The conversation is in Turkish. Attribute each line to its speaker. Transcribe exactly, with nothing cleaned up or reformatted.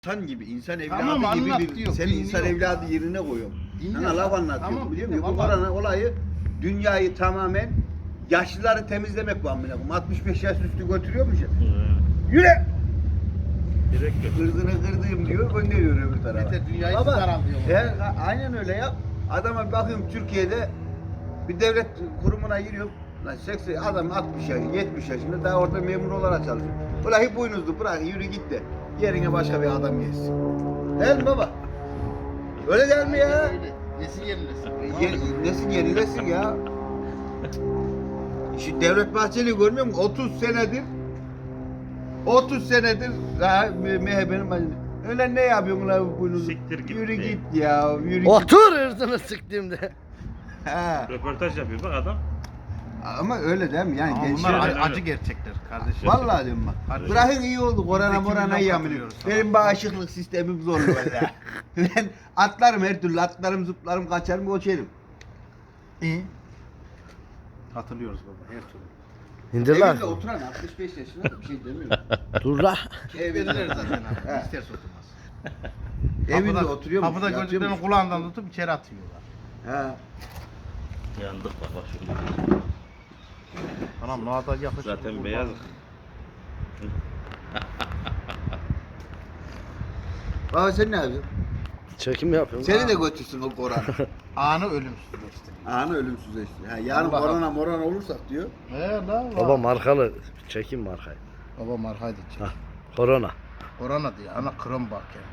Speaker 1: İnsan gibi, insan evladı
Speaker 2: Tamam,
Speaker 1: gibi
Speaker 2: anlat
Speaker 1: bir,
Speaker 2: diyor,
Speaker 1: sen
Speaker 2: dinliyor.
Speaker 1: insan evladı yerine koyuyorum.
Speaker 2: Dinliyor.
Speaker 1: Sana laf anlatıyorum,
Speaker 2: Tamam,
Speaker 1: biliyor musun? Bu
Speaker 2: dinliyor,
Speaker 1: korona olayı dünyayı tamamen yaşlıları temizlemek bu amına koyayım. altmış beş yaş üstü götürüyormuş ya. Yürü!
Speaker 3: Direkt yok.
Speaker 1: Kırdığını kırdığım diyor, gönderiyor öbür tarafa.
Speaker 2: Yeter, dünyayı
Speaker 1: Baba,
Speaker 2: siz daraltıyorlar.
Speaker 1: he, a- aynen öyle ya. Adama bir bakıyorum Türkiye'de bir devlet kurumuna giriyorum. Lan seksen adam altmış yaş, yetmiş yaşında daha orada memur olarak çalışıyor. Ulan hep boynuzlu bırak yürü git de yerine başka bir adam gelsin. Değil mi baba? Öyle değil mi ya?
Speaker 2: Öyle. Nesin yenilesin.
Speaker 1: Ye, nesin yenilesin ya? Şu Devlet Bahçeli'yi görmüyor musun? otuz senedir otuz senedir daha M H P'nin başında. Öyle ne yapıyorsun lan boynuzlu?
Speaker 3: Siktir git
Speaker 1: Yürü
Speaker 3: de.
Speaker 1: git ya, yürü git.
Speaker 4: Otur hırsını sıktığımda.
Speaker 1: Ha.
Speaker 3: Röportaj yapıyor bak adam.
Speaker 1: Ama öyle değil mi? Yani
Speaker 2: Ama
Speaker 1: gençler...
Speaker 2: bunlar
Speaker 3: öyle.
Speaker 2: acı, acı gerçekler kardeşim.
Speaker 1: Vallahi diyorum bak.
Speaker 2: Kardeşim.
Speaker 1: Bırakın iyi oldu. Korona
Speaker 2: Biz de
Speaker 1: morana
Speaker 2: kimden
Speaker 1: yamını.
Speaker 2: katılıyoruz sana?
Speaker 1: Benim bağışıklık sistemim zorlu valla. Ben atlarım her türlü. Atlarım, zıplarım, kaçarım, koşarım.
Speaker 2: İyi. Hatırlıyoruz baba her türlü.
Speaker 4: İndir lan.
Speaker 1: Evinde oturan altmış beş yaşında da bir şey demiyorum.
Speaker 4: Dur la.
Speaker 2: Verirler zaten
Speaker 1: He.
Speaker 2: abi. İsterse oturmaz.
Speaker 1: Evinde
Speaker 2: Kapıda-
Speaker 1: oturuyor musun?
Speaker 2: Kapıda
Speaker 1: yatıyor
Speaker 2: gözlüklerini
Speaker 1: musun?
Speaker 2: kulağından tutup içeri atıyorlar.
Speaker 1: Ha.
Speaker 3: Yandık bak bak şimdi.
Speaker 2: Anam ne kadar yakışıklı.
Speaker 3: Zaten beyaz.
Speaker 1: Baba sen ne yapıyorsun?
Speaker 4: Çekim yapıyorum.
Speaker 1: Seni de götürsün o korona.
Speaker 2: Anı ölümsüzleştiriyor.
Speaker 1: Anı ölümsüzleşti. Ha, yarın
Speaker 2: Allah
Speaker 1: korona morona olursak diyor.
Speaker 2: He la la.
Speaker 4: Baba markalı. Çekim markayı.
Speaker 2: Baba markaydı.
Speaker 4: Hah. Korona.
Speaker 2: Korona diye ana krom bak ya.